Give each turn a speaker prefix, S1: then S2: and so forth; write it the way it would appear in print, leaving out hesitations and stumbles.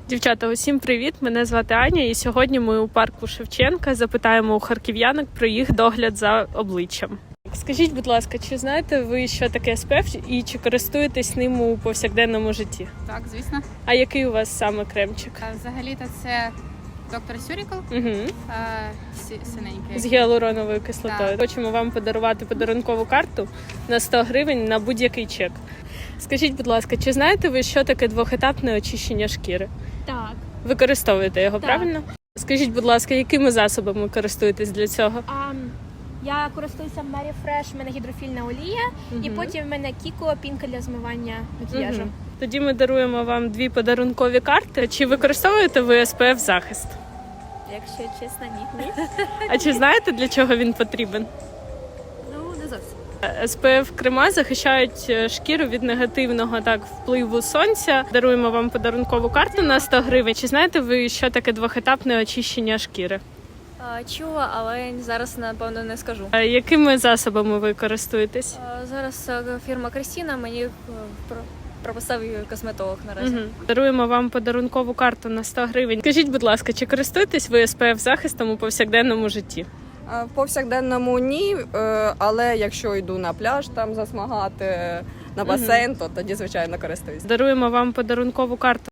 S1: Дівчата, усім привіт! Мене звати Аня, і сьогодні ми у парку Шевченка запитаємо у харків'янок про їх догляд за обличчям. Скажіть, будь ласка, чи знаєте ви, що таке SPF і чи користуєтесь ним у повсякденному житті?
S2: Так, звісно.
S1: А який у вас саме кремчик?
S2: Взагалі-то це доктор Сюрікл,
S1: Угу.
S2: синенький.
S1: З гіалуроновою кислотою.
S2: Так.
S1: Хочемо вам подарувати подарункову карту на 100 гривень на будь-який чек. Скажіть, будь ласка, чи знаєте ви, що таке двохетапне очищення шкіри?
S3: Так.
S1: Використовуєте його,
S3: Так.
S1: правильно? Скажіть, будь ласка, якими засобами користуєтесь для цього?
S3: Я користуюся Mary Fresh, в мене гідрофільна олія, і потім в мене Кіко, пінка для змивання макіяжу.
S1: Мгм. Тоді ми даруємо вам 2 подарункові карти. Чи використовуєте ви SPF захист?
S3: Якщо чесно, ні.
S1: А чи знаєте, для чого він потрібен?
S3: Ну, не зовсім.
S1: SPF крема захищають шкіру від негативного впливу сонця. Даруємо вам подарункову карту на 100 гривень. Чи знаєте ви, що таке двохетапне очищення шкіри?
S4: Чула, але зараз, напевно, не скажу.
S1: Якими засобами ви користуєтесь?
S4: Зараз фірма Крістіна мені прописав її косметолог наразі.
S1: Мгм. Даруємо вам подарункову карту на 100 гривень. Скажіть, будь ласка, чи користуєтесь ви SPF захистом у повсякденному житті?
S5: В повсякденному ні, але якщо йду на пляж там засмагати, на басейн, то тоді, звичайно, користуюсь.
S1: Даруємо вам подарункову карту